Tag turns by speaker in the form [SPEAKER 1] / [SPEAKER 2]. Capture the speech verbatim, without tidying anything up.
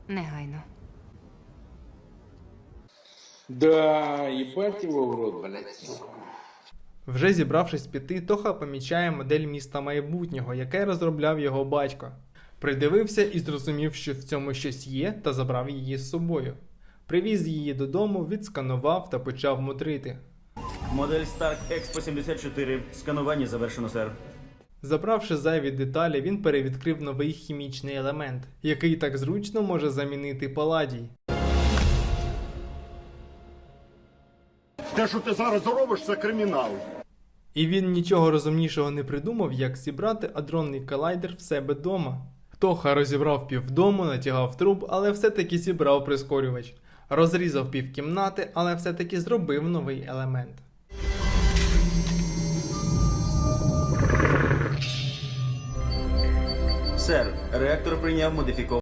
[SPEAKER 1] Негайно.
[SPEAKER 2] Да, ебать его в рот, блядь.
[SPEAKER 3] Вже зібравшись піти, Тоха помічає модель міста майбутнього, яке розробляв його батько. Придивився і зрозумів, що в цьому щось є, та забрав її з собою. Привіз її додому, відсканував та почав мудрити.
[SPEAKER 4] Модель Stark Expo сімдесят чотири. Сканування завершено, сер.
[SPEAKER 3] Забравши зайві деталі, він перевідкрив новий хімічний елемент, який так зручно може замінити паладій.
[SPEAKER 5] Те, що ти зараз робиш, це кримінал.
[SPEAKER 3] І він нічого розумнішого не придумав, як зібрати адронний колайдер в себе дома. Тоха розібрав півдому, натягав труб, але все-таки зібрав прискорювач. Розрізав півкімнати, але все-таки зробив новий елемент.
[SPEAKER 4] Сер, реактор прийняв модифікований